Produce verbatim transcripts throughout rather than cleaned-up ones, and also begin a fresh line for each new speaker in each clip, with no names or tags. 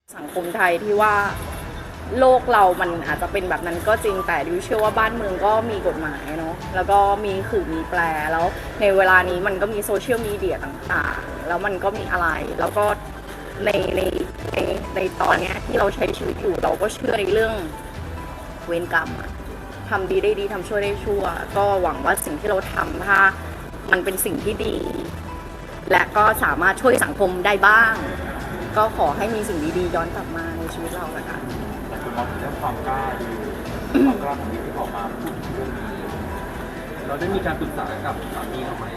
สังคมไทยที่ว่าโลกเรามันอาจจะเป็นแบบนั้นก็จริงแต่ดิวเชื่อว่าบ้านเมืองก็มีกฎหมายเนาะแล้วก็มีขื่อมีแปรแล้วในเวลานี้มันก็มีโซเชียลมีเดียต่างๆแล้วมันก็มีอะไรแล้วก็ในในในในตอนนี้ที่เราใช้ชีวิตอยู่เราก็เชื่อในเรื่องเวรกรรมอะทำดีได้ดีทำชั่วได้ชั่วก็หวังว่าสิ่งที่เราทำถ้ามันเป็นสิ่งที่ดี และก็สามารถช่วยสังคมได้บ้างก็ขอให้มีสิ่งดีๆย้อนกลับมาในชีวิตเราละกัน
แต่คุณมองถึงเรื่องความกล้าดีความกล้าของที่ออกมาพูดถึงเรื่องนี้เราได้มีการปรึกษากับสามีเราไหม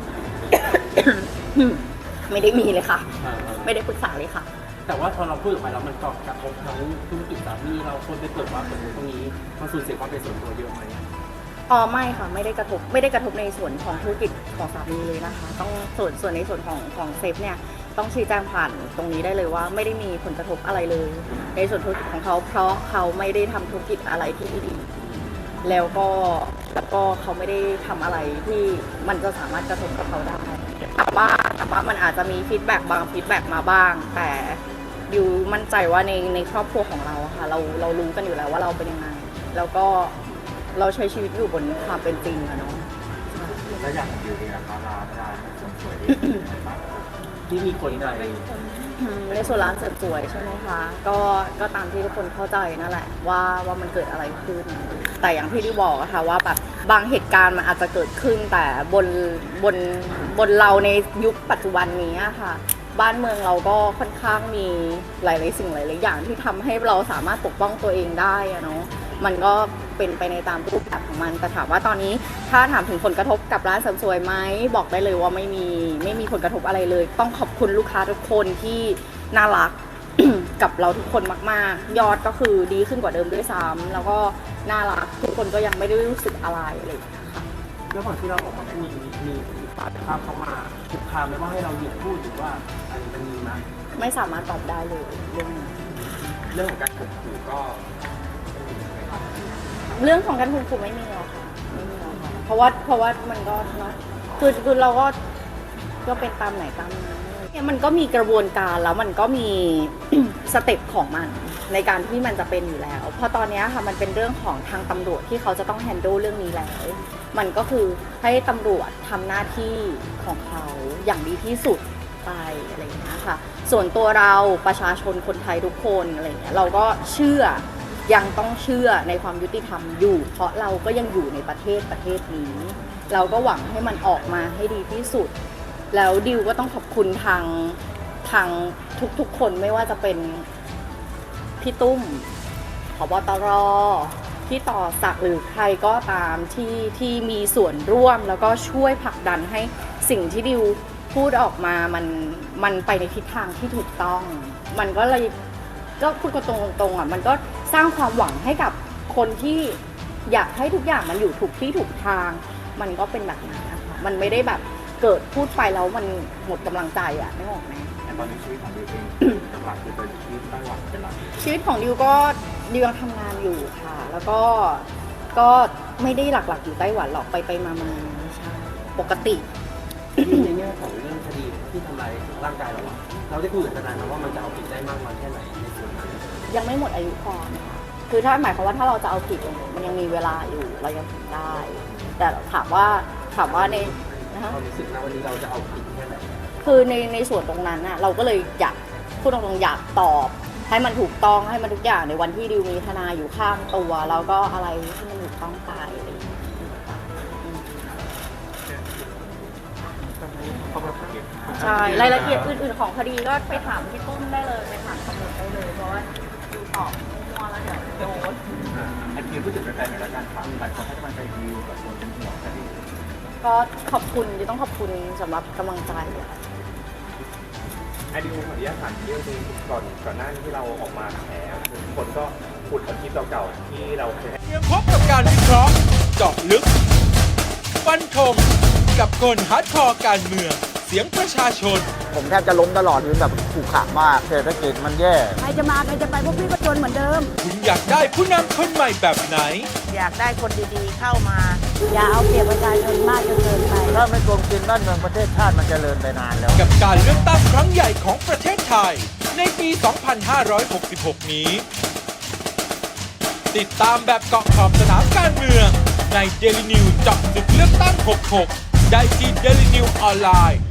ไม่ได้มีเลยค่ะไม่ได้ปรึกษาเลยค่ะ
แต่ว่าพอเราพูดออกไปแล้วมันก็กระทบทั้งธุรกิจสามีเราคนไปเปิดว่าสมมติตรงนี้มันสูญเสียความเป็นส่วนตัวเยอะไหม
อ๋อไม่ค่ะไม่ได้กระทบไม่ได้กระทบในส่วนของธุรกิจของสามีเลยนะคะต้องส่วนส่วนในส่วนของของเซฟเนี่ยต้องชี้แจงผ่านตรงนี้ได้เลยว่าไม่ได้มีผลกระทบอะไรเลยในส่วนธุรกิจของเขาเพราะเขาไม่ได้ทำธุรกิจอะไรที่ไม่ดีแล้วก็แล้วก็เขาไม่ได้ทำอะไรที่มันจะสามารถกระทบกับเขาได้แต่ว่าแต่ว่ามันอาจจะมีฟีดแบ็กบางฟีดแบ็กมาบ้างแต่ดิวมั่นใจว่าในในครอบครัวของเราค่ะเราเรารู้กันอยู่แล้วว่าเราเป็นยังไงแล้วก็เราใช้ชีวิตอยู่บนความเป็นจริงอะเนาะ
แล้วอย่างดิวเองนะคะร้านร้านเสริมสวยที่มีคนใน
ในส่วนร้านเสริมสวยใช่ไหมคะก็ก็ตามที่ทุกคนเข้าใจนั่นแหละว่าว่ามันเกิดอะไรขึ้นแต่อย่างที่ดิวบอกอะค่ะว่าแบบบางเหตุการณ์มันอาจจะเกิดขึ้นแต่บนบนบนเราในยุคปัจจุบันนี้อะค่ะบ้านเมืองเราก็ค่อนข้างมีหลายๆสิ่งหลายๆอย่างที่ทำให้เราสามารถปกป้องตัวเองได้อะเนาะมันก็เป็นไปในตามรูปแบบของมันแต่ถามว่าตอนนี้ถ้าถามถึงผลกระทบกับร้านเสริมสวยไหมบอกได้เลยว่าไม่มีไม่มีผลกระทบอะไรเลยต้องขอบคุณลูกค้าทุกคนที่น่ารัก กับเราทุกคนมากๆยอดก็คือดีขึ้นกว่าเดิมด้วยซ้ำแล้วก็น่ารักทุกคนก็ยังไม่ได้รู้สึกอะไรเลยค่ะ
แล้วก่อนที่เราออกมาพูดมีฝ่ายภาพเข้ามาคุกคามไม่ว่าให้เราหยุดพูดหรือว่าอะไรมันมีไหม
ไม่สามารถตอบได้เลยเรื่องนี้
เรื่องของการข่มขู่ก็
เรื่องของการข่มขู่ไม่มีหรอกค่ะไม่มีหรอกค่ะเพราะว่าเพราะว่ามันก็เนาะคือคือเราก็ก็เป็นตามไหนตามนั้นเนี่ยมันก็มีกระบวนการแล้วมันก็มี สเต็ปของมันในการที่มันจะเป็นอยู่แล้วเพราะตอนนี้ค่ะมันเป็นเรื่องของทางตำรวจที่เขาจะต้องแฮนด์ลเรื่องนี้แล้วมันก็คือให้ตำรวจทำหน้าที่ของเขาอย่างดีที่สุดไปอะไรอย่างเงี้ยค่ะส่วนตัวเราประชาชนคนไทยทุกคนอะไรเงี้ยเราก็เชื่อยังต้องเชื่อในความยุติธรรมอยู่เพราะเราก็ยังอยู่ในประเทศประเทศนี้เราก็หวังให้มันออกมาให้ดีที่สุดแล้วดิวก็ต้องขอบคุณทางทางทุกๆคนไม่ว่าจะเป็นพี่ตุ้มผบตรพี่ต่อศักดิ์หรือใครก็ตามที่ที่มีส่วนร่วมแล้วก็ช่วยผลักดันให้สิ่งที่ดิวพูดออกมามันมันไปในทิศทางที่ถูกต้องมันก็เลยก็พูดกันตรงๆอ่ะมันก็สร้างความหวังให้กับคนที่อยากให้ทุกอย่างมันอยู่ถูกที่ถูกทางมันก็เป็นแบบนั้นนะคะมันไม่ได้แบบเกิดพูดไปแล้วมันหมดกำลังใจอ่ะไม่ออกไหม
ตอนนี้ชีวิตของดิวเองหลักคือไปอยู่ที่ไต้หวันเป็นหลัก
ชีวิตของดิวก็ดิวยังทำงานอยู่ค่ะแล้วก็ก็ไม่ได้หลักๆอยู่ไต้หวันหรอกไปไปมามาใช่ปกติ
ในแง่ของเรื่องคดีที่ทำลายร่างกายเราเราได้คุยกับทนายมาว่ามันจะเอาผิดได้มากน้อยแค่ไหนในส่วนนั้น
ยังไม่หมดอายุความค่ะคือถ้าหมายความว่าถ้าเราจะเอาผิดมันยังมีเวลาอยู่เรายังทำได้แต่ถามว่าถามว่าใน
นะคะความรู้สึกนะวันนี้เราจะเอาผิดแค่ไหน
คือในในส่วนตรงนั้นน่ะเราก็เลยอยากพูดตรงๆอยากตอบให้มันถูกต้องให้มันทุกอย่างในวันที่ดิวมีทนายอยู่ข้างตัวแล้วก็อะไรที่มันถูกต้องไปใช่รายละเอียดอื่นๆของคดีก็ไปถามพี่ตุ้มได้เลยไปถามตำรวจได้เลยเพราะว่าดูตอบมั่วแล้วเดี๋ยวโดน
ไอ้ที่พูดถึงแฟนๆในรายการถามหลายคนให้กำลังใจดิวกับคนเป็นห่วงคดี
ก็ขอบคุณที่ต้องขอบคุณสำหรับกำลังใจ
ไอดิวขออนุญาตถามเรื่องนึงก่อนก่อนหน้าที่เราออกมาแฉคนก็ขุดเอาคลิปเก่าๆที่เราเคย
เตรียมพบกับการวิเคราะห์เจาะลึกฟันธงกับคนฮาร์ดคอร์การเมืองเสียงประชาชน
ผมแทบจะล้มตลอดคือแบบขู่ขามากเศรษฐกิจมันแย่
ใครจะมาใครจะไปพวกพี่ก็จนเหมือนเดิม
คุณอยากได้ผู้นำคนใหม่แบบไหน
อยากได้คนดีๆเข้ามาอย่าเอาเปรียบประชาชนมากจนเกินไป
ถ้าไม่โกงกินบ้านเมืองประเทศชาติมันจเจริญไปนานแล้ว
กับการเลือกตั้งครั้งใหญ่ของประเทศไทยในปี สองพันห้าร้อยหกสิบหก นี้ ติดตามแบบเกาะขอบสนามการเมืองใน Daily News เจาะลึกเลือกตั้ง หกสิบหก ได้ที่ Daily News ออนไลน์